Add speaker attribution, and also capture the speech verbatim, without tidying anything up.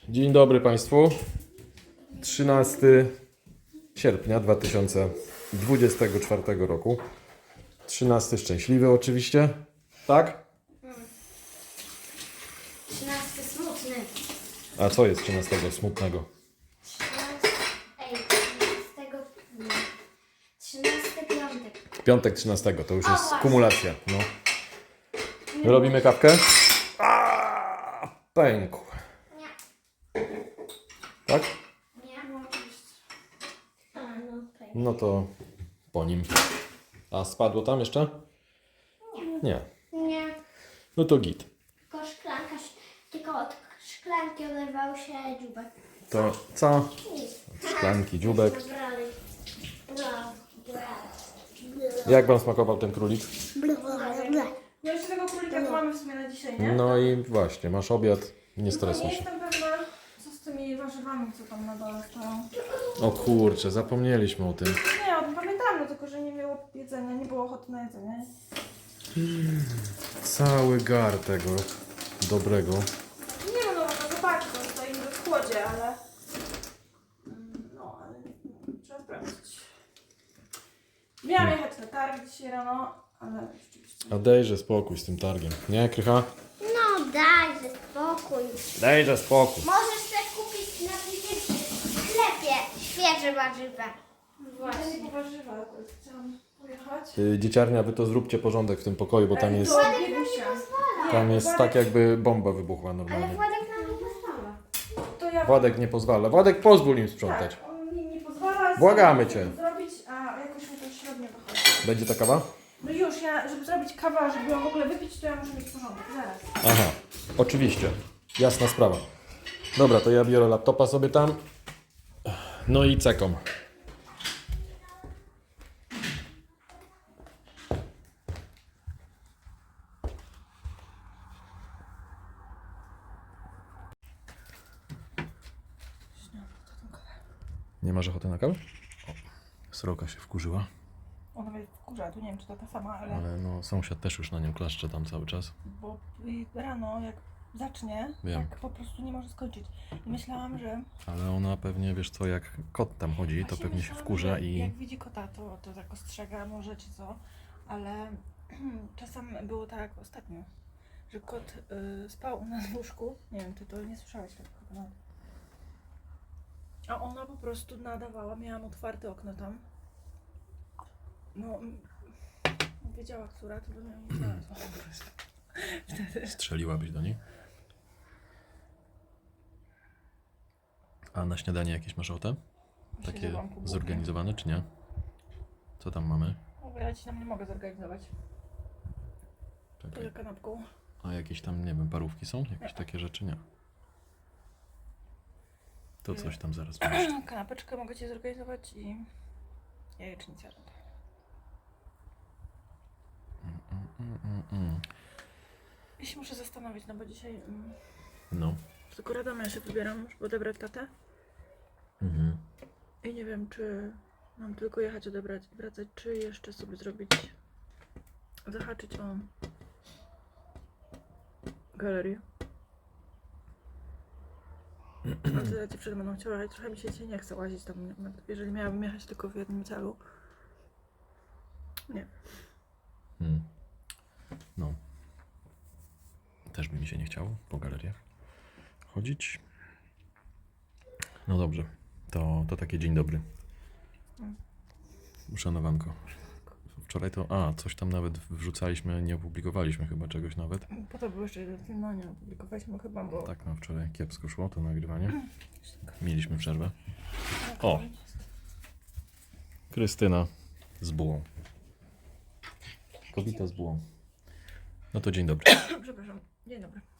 Speaker 1: Dzień dobry Państwu. trzynastego sierpnia dwa tysiące dwudziestego czwartego roku. trzynasty szczęśliwy oczywiście. Tak?
Speaker 2: Trzynasty smutny.
Speaker 1: A co jest trzynastego smutnego?
Speaker 2: Trzynasty, ej, trzynastego, nie. Trzynasty piątek.
Speaker 1: Piątek trzynastego, to już
Speaker 2: O,
Speaker 1: jest
Speaker 2: właśnie.
Speaker 1: kumulacja. No. Robimy kawkę? A, pękł.
Speaker 2: Nie,
Speaker 1: Tak?
Speaker 2: nie. A, no okej.
Speaker 1: No to po nim. A spadło tam jeszcze? Nie.
Speaker 2: Nie,
Speaker 1: No to git.
Speaker 2: tylko szklanka, ś- tylko od szklanki oderwał się dziubek.
Speaker 1: To co?
Speaker 2: Nic.
Speaker 1: Szklanki, dziubek.
Speaker 2: Zabrali. Bla, bla,
Speaker 1: Jak Wam smakował ten królik?
Speaker 2: bla, bla, bla.
Speaker 3: No jeszcze tego królika to mamy w sumie na dzisiaj, nie?
Speaker 1: No i właśnie, masz obiad, nie
Speaker 3: Tylko
Speaker 1: stresuj
Speaker 3: nie
Speaker 1: się.
Speaker 3: jestem pewna, co z tymi warzywami, co tam na dole stoją.
Speaker 1: O kurczę, zapomnieliśmy o tym.
Speaker 3: Nie, o tym pamiętam, no tylko że nie było jedzenia, nie było ochoty na jedzenie.
Speaker 1: Cały gar tego dobrego.
Speaker 3: Nie no, no, no zobaczcie, to stoi niby w chłodzie, ale... Mm, No, ale no, trzeba sprawdzić. Miałam jechać na targ dzisiaj rano, ale rzeczywiście...
Speaker 1: A dejże spokój z tym targiem. Nie, Krycha?
Speaker 2: No dajże spokój.
Speaker 1: Dejże spokój.
Speaker 2: Możesz też kupić na przykład w sklepie świeże warzywa.
Speaker 3: Właśnie. Nie po warzywa, akurat chciałam pojechać.
Speaker 1: Y, Dzieciarnia, wy to zróbcie porządek w tym pokoju, bo tam jest,
Speaker 3: To Biegusia.
Speaker 1: tam jest tak jakby bomba wybuchła
Speaker 2: Ale
Speaker 1: normalnie.
Speaker 2: Władek nam nie pozwala.
Speaker 3: To ja...
Speaker 1: Władek nie pozwala. Władek, pozwól im sprzątać.
Speaker 3: Tak, on mi nie pozwala
Speaker 1: Błagamy
Speaker 3: sobie
Speaker 1: cię.
Speaker 3: zrobić, a jakoś mi to średnio wychodzi.
Speaker 1: Będzie ta kawa?
Speaker 3: No już, ja, żeby zrobić kawę, żeby ją w ogóle wypić, to ja muszę mieć porządek. Zaraz.
Speaker 1: Aha, oczywiście. Jasna sprawa. Dobra, to ja biorę laptopa sobie tam. No i cekom. Nie masz ochoty na kawę? O, sroka się wkurzyła,
Speaker 3: Ona mnie wkurza, tu nie wiem, czy to ta sama, ale...
Speaker 1: ale no sąsiad też już na nią klaszcze tam cały czas.
Speaker 3: Bo y, rano, jak zacznie,
Speaker 1: Wiem.
Speaker 3: tak po prostu nie może skończyć. I myślałam, że...
Speaker 1: Ale ona pewnie, wiesz co, jak kot tam chodzi, to
Speaker 3: Właśnie
Speaker 1: pewnie się
Speaker 3: myślałam,
Speaker 1: wkurza
Speaker 3: że
Speaker 1: i...
Speaker 3: Jak widzi kota, to, to tak ostrzega może, czy co. Ale czasem było tak ostatnio, że kot y, spał u nas w łóżku. Nie wiem, ty to nie słyszałeś tego chyba. A ona po prostu nadawała, miałam otwarte okno tam. No, mm, wiedziała, która, to by ją nie znalazła. Wtedy.
Speaker 1: Strzeliłabyś do niej? A na śniadanie jakieś masz ochotę?
Speaker 3: Myślę,
Speaker 1: Takie
Speaker 3: że mam kubłę.
Speaker 1: zorganizowane, czy nie? Co tam mamy?
Speaker 3: No, bo ja ci tam nie mogę zorganizować. Poza
Speaker 1: Czekaj.
Speaker 3: kanapką.
Speaker 1: A jakieś tam, nie wiem, parówki są? Jakieś takie rzeczy? Nie. To coś tam zaraz wymyślę.
Speaker 3: Kanapeczkę mogę ci zorganizować i jajecznicę.
Speaker 1: Mm, mm, mm.
Speaker 3: Ja się muszę zastanowić, no bo dzisiaj mm,
Speaker 1: No.
Speaker 3: tylko Radoma ja się wybieram, żeby odebrać tatę.
Speaker 1: Mhm.
Speaker 3: I nie wiem, czy mam tylko jechać odebrać i wracać, czy jeszcze sobie zrobić, zahaczyć o galerię. A tyle dziewczyny będą chciały, ale trochę mi się dzisiaj nie chce łazić tam, jeżeli miałabym jechać tylko w jednym celu. Nie.
Speaker 1: Hmm. No. Też by mi się nie chciało po galeriach chodzić. No dobrze. To, to taki dzień dobry. Uszanowanko. Wczoraj to... A, coś tam nawet wrzucaliśmy, nie opublikowaliśmy chyba czegoś nawet.
Speaker 3: Po to był jeszcze jeden film, no nie opublikowaliśmy chyba, bo...
Speaker 1: Tak, no wczoraj kiepsko szło to nagrywanie. Mieliśmy przerwę. O! Krystyna z bułą. Kobieta z bułą. No to dzień dobry.
Speaker 3: Przepraszam, dzień dobry.